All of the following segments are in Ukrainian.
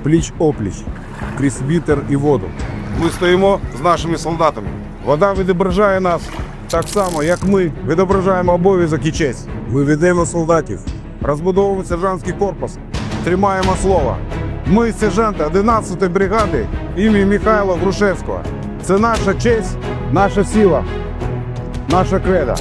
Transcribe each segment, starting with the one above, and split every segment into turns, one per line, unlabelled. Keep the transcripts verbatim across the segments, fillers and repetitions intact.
пліч-опліч, крізь вітер і воду. Ми стоїмо з нашими солдатами. Вода відображає нас так само, як ми відображаємо обов'язок і честь. Ми ведемо солдатів, розбудовуємо сержантський корпус, тримаємо слово. Ми сержанти одинадцятої бригади імені Михайла Грушевського. Це наша честь, наша сила, наша кредо.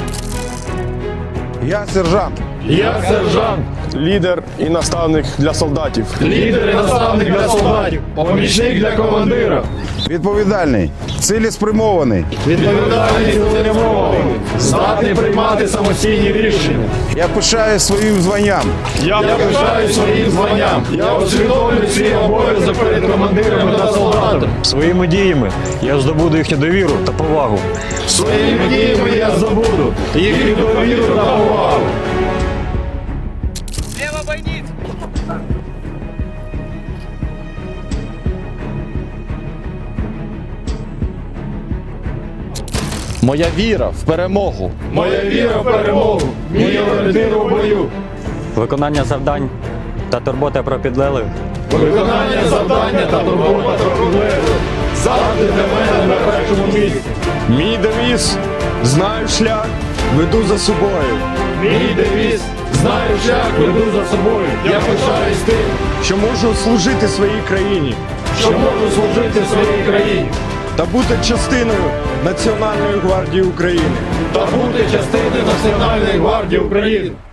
Я сержант.
Я сержант,
Лідер і наставник для солдатів.
лідер і наставник для солдатів, помічник для командира,
Відповідальний, цілеспрямований.
відповідальний, цілеспрямований, здатний приймати самостійні рішення.
Я пишаю своїм званням.
Я пишаюсь своїм званням. Я усвідомлюю свій обов'язок перед командирами та солдатами.
Своїми діями я здобуду їхню довіру та повагу.
Своїми діями я здобуду їхню довіру та повагу.
Моя віра в перемогу.
Моя віра в перемогу, мій орієнтир у бою.
Виконання завдань та турбота про підлеглих
Виконання завдання та турбота про підлеглих завжди для мене на першому місці.
Мій девіз – знаю шлях, веду за собою.
Мій девіз знаю шлях, веду за собою. Я пишаюсь тим,
Що можу служити своїй країні
що можу служити своїй країні
та бути частиною Національної гвардії України.
та бути частиною Національної гвардії України.